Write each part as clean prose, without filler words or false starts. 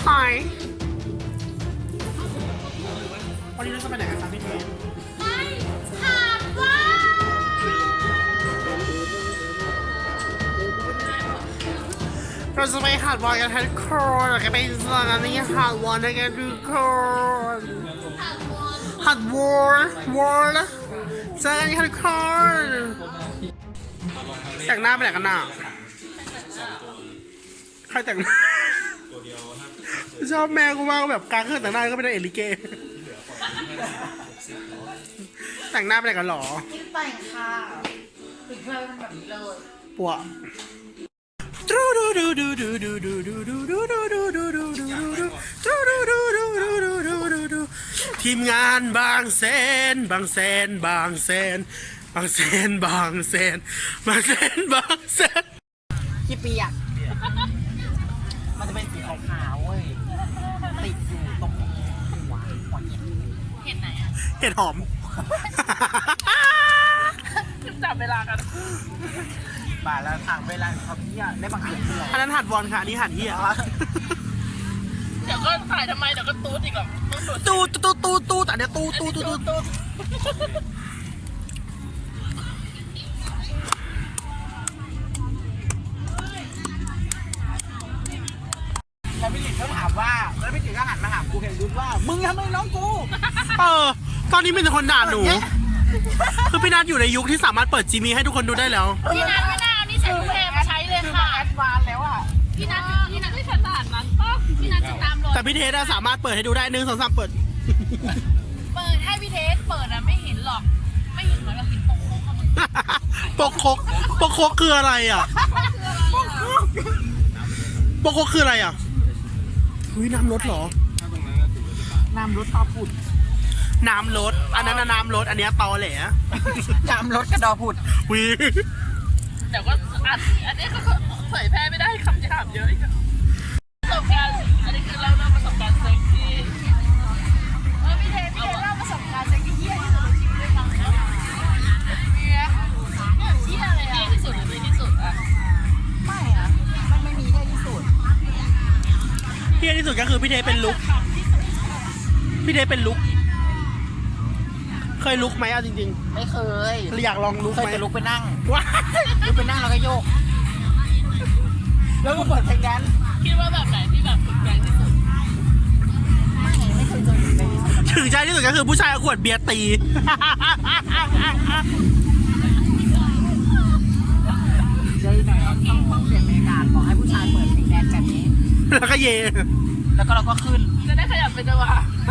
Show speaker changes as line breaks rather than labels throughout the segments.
Hi วันนี้เราจะไปไหนกันครับพี่เทน
ไปถามว่า
เราจะไปหาดวอนกันทุกคนเราจะไปสถานีหาดวอนกันทุกคนหาดวอนเจอกันทุกคนแต่งหน้าไปไหนกันน่ะใครแต่งหน้าชอบแม่กูมากแบบกลางเครื่องแต่งหน้าก็ไม่ได้เอลิเกแต่งหน้าไปไหนกันหรอ
คิดแต่งค่ะถึงเธอเป็นแบบนี้เลย
ปัวทีมงานบางแสนบางแสนบางแสนบางแสนบางแสนบางแสนบางแสน
กี่ปีอ่ะมันจะเป็นสีขาวๆเว้ยติดอยู่ตรงหัวเห็นไหนอ่ะ
เห็ดหอม
จับเวลากันบ่าแล้วทางเวลาเขาเนี่ยได้บางเกิดขึ้น
อันนั้นหัดวอนค่ะอันนี้หัดเฮีย
เดี๋ยวก็ถ่ายทำไมเดี๋ยวก็ตูดอีกหรอ
ตูแต่เนี้ยตู
แล้วพี่หลินก็ถามว่าแล้วพี่หลินก็หันมาถามกูเห็นรุ่นว่ามึงทำไมน้องกู
ตอนนี้เป็นคนด่าหนูคือพี่นัทอยู่ในยุคที่สามารถเปิดจีมีให้ทุกคนดูได้แล้ว
พี่นัทไม่น่าเอานี่ใส่แพงมาใช้เลยค่ะแอดวานแล้วอ่ะพี่นัทไม่ขนาดนั้นป่ะพี่นัทจะตามรอย
แต่พี่เทสสามารถเปิดให้ดูได้1 2 3เปิด
ให้พี่เทสเปิดอะไม่เห็นหรอกไม่เห็นเหมือนเราเห็น
ปกคกคืออะไรอ่ะปกคกคืออะไรอ่ะอุ้ยน้ำรถเหรอ
น้ำรถตอผุด
น้ำรถอันนั้นน้ำรถอันนี้ตอแหล
น้ำรถกระดอผุด
วิ
แต่ว่าอันนี้ก็เผยแพร่ไม่ได้คำหยาบเยอะอีกประสบการณ์อันนี้คือเล่าประสบการณ์เซ็กที่พี่เทเล่าประสบการณ์เซ็กที่เฮี้ยที่สุดในชีวิตด้วยมั้งเนี่ยเฮี้ยอะไรอะที่สุดหรือไม่ที่สุดอะไม่อะมันไม่มีได้ที่สุด
เที่ยที่สุดก็คือพี่เทเป็นลุกพี่เทเป็นลุกเคยลุกไหมเอาจริง
ๆไม่เคย
อยากลองลุกไหม
เคยจะลุกไปนั่งลุกไปนั่งแล้วก็โยกแล้วก็เปิดเพลงแดนซ์คิดว่าแบบไหนที่แบบถึงใจที่สุดไม่เคยเจอ
ถึงใจที่สุดก็คือผู้ชายเอาขวดเบียร์ตี
เจอหน่อยต้องเปลี่ยนบรรยากาศบอกให้ผู้ชายเปิดเพลงแดนซ์แบบนี้
แล้วก็เย
แล้วก็เราก็ขึ้นจะได้ขยับไปจังหวะ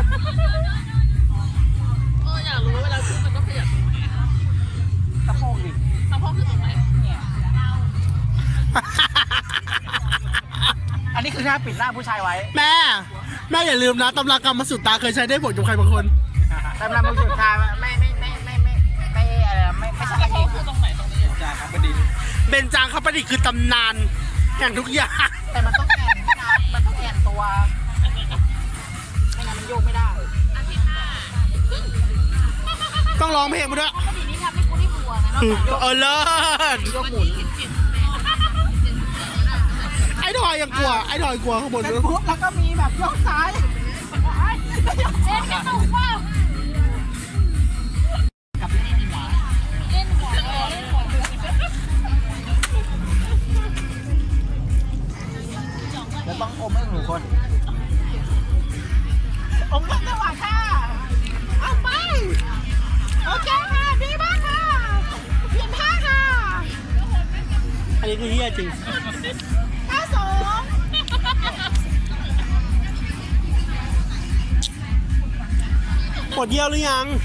อยากรู้ว่าเวลาขึ้นมันต้องขยับสะโพกดิสะโพกคือตรงไหนเนี่ยอันนี้คือท่าปิดหน้าผู้ชายไว้
แม่อย่าลืมนะตำรากรรมมาสุดตาเคยใช้ได้ผลกับใครบางคน
ตำรามาสุดตาไม่อะไรไม่ใช่สะโพกคือตรงไหนตรงนี้จางคประดิษฐ์
เบญจางคประดิษฐ์คือตำนานอย่างทุกอย่าง
แต่มันต้องแอนนะมันต้องแอนตัวไม่งั้นมันโยกไม่ได้
ต้องร้องเพลงมาด้วย
ปกตินี่ทำให้กูได้บัวนะ
เลิศ
ยกหมุน
ไอ้ดอยยังกลัวไอ้ดอยกลัวข้างบน
แล้วก็มีแบบยกซ้ายเล่นกระตุกว่ากับเล่นหัวเล่นหัวแล้วต้องอมให้หนูคนอมกันจังหวะค่ะเอาไปโอเคค่ะดีมากค่ะเปลี่ยนท่าค่ะ
อันนี้คือเฮียจริง
ท่าสอง
ปวดเยี่ยวหรือยัง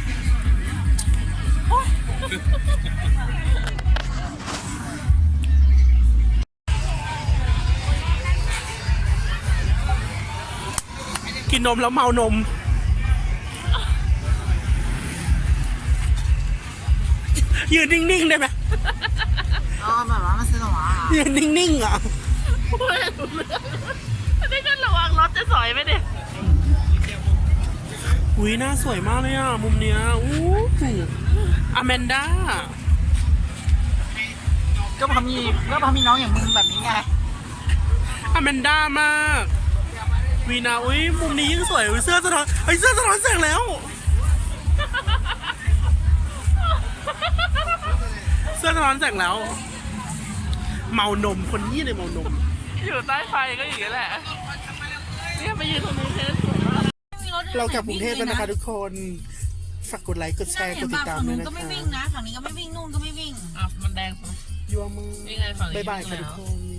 กินนมแล้วเมานมยืนนิ่งๆได้ไหม
แบบว่ามันสนุกอ่ะ
ยืนนิ่งๆอ่ะ
ไม่กันระวังรถจะสอยไหมเนี่ย
อุ้ยหน้าสวยมากเลยอ่ะมุมเนี้ยอู้อแมนด้า
ก็พอมีน้องอย่างมึงแบบนี้ไง
อแมนด้ามากวีนาอุ้ยมุมนี้ยิ่งสวยเสื้อสะท้อนเสื้อสะท้อนแสงแล้ว เสื้อสะท้อนแสงแล้ว เมานมคนนี้เลยเมานม
อยู่ใต้ไฟก็อย่างนี้แหละเนี่ยมายืนตรงนี้แค่สวยมาก
เรากลับกรุงเทพแล้วนะคะทุกคนฝากกดไลค์กดแชร์กดติดตามด้วยนะ
ก็ไม่
คะ
วิ่งนะฝั่งนี้ก็ไม่วิ่งนู่นก็ไม่วิ่ง
อ่ะมันแดง
ยัวมือ
นี่ไงฝั่งนี้
บ๊ายบายค่ะทุกคน